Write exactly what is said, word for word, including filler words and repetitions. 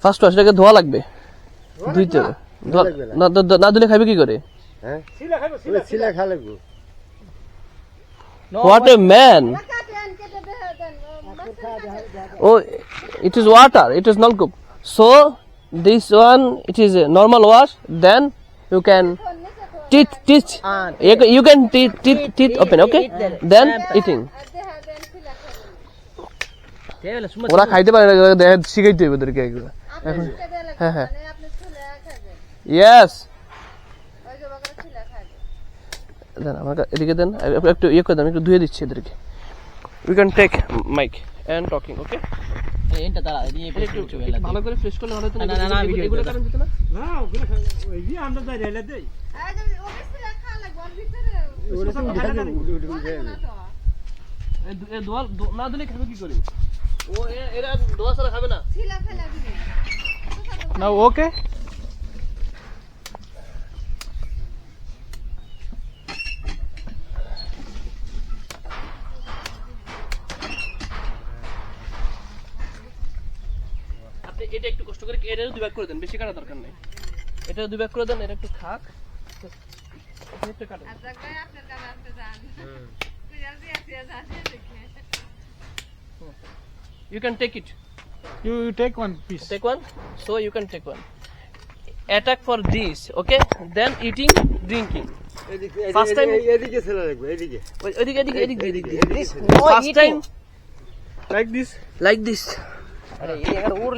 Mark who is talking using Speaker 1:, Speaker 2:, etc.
Speaker 1: First wash এটাকে ধোয়া লাগবে ধুইতে হবে না না ধুলে খাবে কি করে
Speaker 2: হ্যাঁ সিলা খাবে সিলা সিলা খা লাগবে
Speaker 1: What a man! Oh, it is water. It is nalkup. So this one, it is a normal wash. Then you can teeth, teeth. You can, you can teeth, teeth, teeth open. Okay. Then eating. ওরা খাইতে পারে না দেখা শিখাইতে হবে ওদেরকে এগুলো এখন হ্যাঁ হ্যাঁ ইয়েস দেন আমাকে এদিকে দেন একটু ইয়ে করে দেন একটু ধুয়ে দিচ্ছি এদেরকে we can take mic and talking okay
Speaker 3: এইটা দাঁড়া দিয়ে একটু
Speaker 1: ভালো করে ফ্রেশ করলে ভালো হতো না
Speaker 3: না না ভিডিও
Speaker 1: এগুলো কারণ দিতে না
Speaker 2: না ওগুলো ওই যে আমরা যাই রেলে দেই
Speaker 4: ওকে খা লাগবে ওর ভিতরে
Speaker 2: ওগুলো তো খাই না
Speaker 1: এই দোয়া না দিলে খাবে কি করে ও এরা দোয়া ছাড়া খাবে না
Speaker 4: ছিলা ফেলা দিবে
Speaker 2: না ওকে
Speaker 1: আপনি এটা একটু কষ্ট করে এটাও দুই ভাগ করে দেন বেশি কাটা দরকার নেই এটাও দুই ভাগ করে দেন এটা একটু খাক একটু কাটেন
Speaker 4: আচ্ছা ভাই আপনার কাছে আসতে যান হুম তুই জলদি আসিয়া যান দেখে
Speaker 1: you can take it
Speaker 2: you take one piece
Speaker 1: take one so you can take one attack for this okay then eating drinking first time
Speaker 2: এদিকে ছেলে লাগবে এদিকে
Speaker 1: এদিকে এদিকে এদিকে এদিকে
Speaker 3: No
Speaker 1: first
Speaker 3: eating.
Speaker 1: time
Speaker 2: like this
Speaker 1: like this
Speaker 3: আরে এই